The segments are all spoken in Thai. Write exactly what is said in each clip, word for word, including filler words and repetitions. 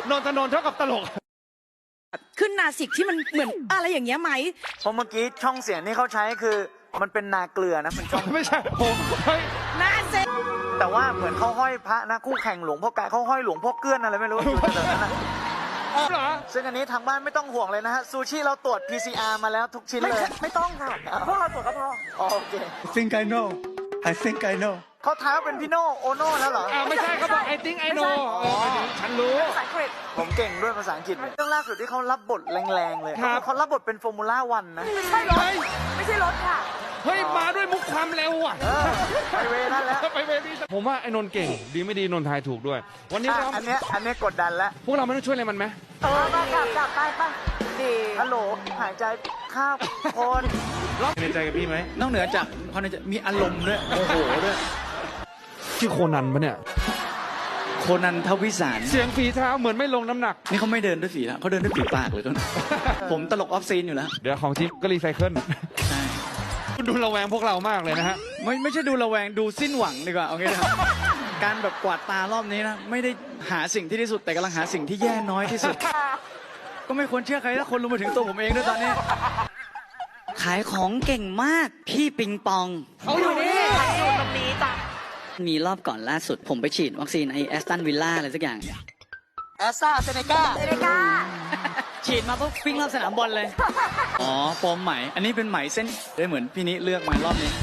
นนทนนท์เท่ากับตลกขึ้นนาสิกที่มันเหมือนอะไรอย่างเงี้ยไหมเพราะเมื่อกี้ช่องเสียงที่เขาใช้คือมันเป็นนาเกลือนะมันช่องไม่ใช่ผมเฮ้ยนาเซแต่ว่าเหมือนเขาห้อยพระนะคู่แข่งหลวงพ่อกายเขาห้อยหลวงพ่อเกื้อนอะไรไม่รู้อยู่แถวนั้นนะเหรอซึ่งอันนี้ทางบ้านไม่ต้องห่วงเลยนะฮะซูชิเราตรวจ พี ซี อาร์ มาแล้วทุกชิ้นเลยไม่ต้องค่ะพวกเราตรวจก็พอโอเค I think I know I think I know เขาท้าเป็นพี่โนโอโน่แล้วเหรออ่าไม่ใช่เขาบอก I think I know ฉันรู้ภาษาอังกฤษผมเก่งด้วยภาษาอังกฤษเรื่องล่าสุดที่เขารับบทแรงๆเลยเขารับบทเป็นฟอร์มูล่าวันนะไม่ใช่รถไม่ใช่รถค่ะเฮ้ยมาด้วยมุกความเร็วอ่ะไปเวนั่นแล้วไปเวนี่ผมว่าไอ้นนท์เก่งดีไม่ดีนนท์ทายถูกด้วยวันนี้เราอันนี้อันนี้กดดันแล้วพวกเราไม่ต้องช่วยอะไรมันไหมเออมากลับกลับไปไปดีฮัลโหลหายใจข้าวคนในใจกับพี่ไหมนอกเหนือจากความในใจมีอารมณ์ด้วยโมโหด้วยชื่อโคนันปะเนี่ยโคนันทวิสารเสียงฝีเท้าเหมือนไม่ลงน้ำหนักนี่เขาไม่เดินด้วยฝีนะเขาเดินด้วยฝีปากเลยก็ผมตลกออฟซีนอยู่แล้วเดี๋ยวของทีมก็รีไซเคิลใช่คุณดูระแวงพวกเรามากเลยนะฮะไม่ไม่ใช่ดูระแวงดูสิ้นหวังดีกว่าโอเคครับการแบบกวาดตารอบนี้นะไม่ได้หาสิ่งที่ดีสุดแต่กำลังหาสิ่งที่แย่น้อยที่สุดก็ไม่ควรเชื่อใครถ้าคนรู้มาถึงตัวผมเองด้วยตอนนี้ขายของเก่งมากพี่ปิงปองเขาอยู่นี่อยู่ตรงนี้จ้ะมีรอบก่อนล่าสุดผมไปฉีดวัคซีนไอแอสตันวิลล่าอะไรสักอย่างแอสซาเซเนกาเซเนกาฉีดมาปุ๊บวิ่งรอบสนามบอลเลยอ๋อปมไหมอันนี้เป็นไหมเส้นได้เหมือนพี่นี้เลือกมารอบนี้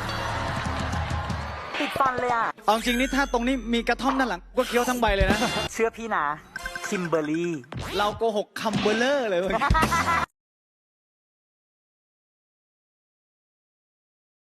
ติดฟันเลยอ่ะเอาจริงนี่ถ้าตรงนี้มีกระท่อมด้านหลังก็เคี้ยวทั้งใบเลยนะเชื่อพี่นะคิมเบอร์รี่เราโกหกคัมเบอร์เลอร์เลย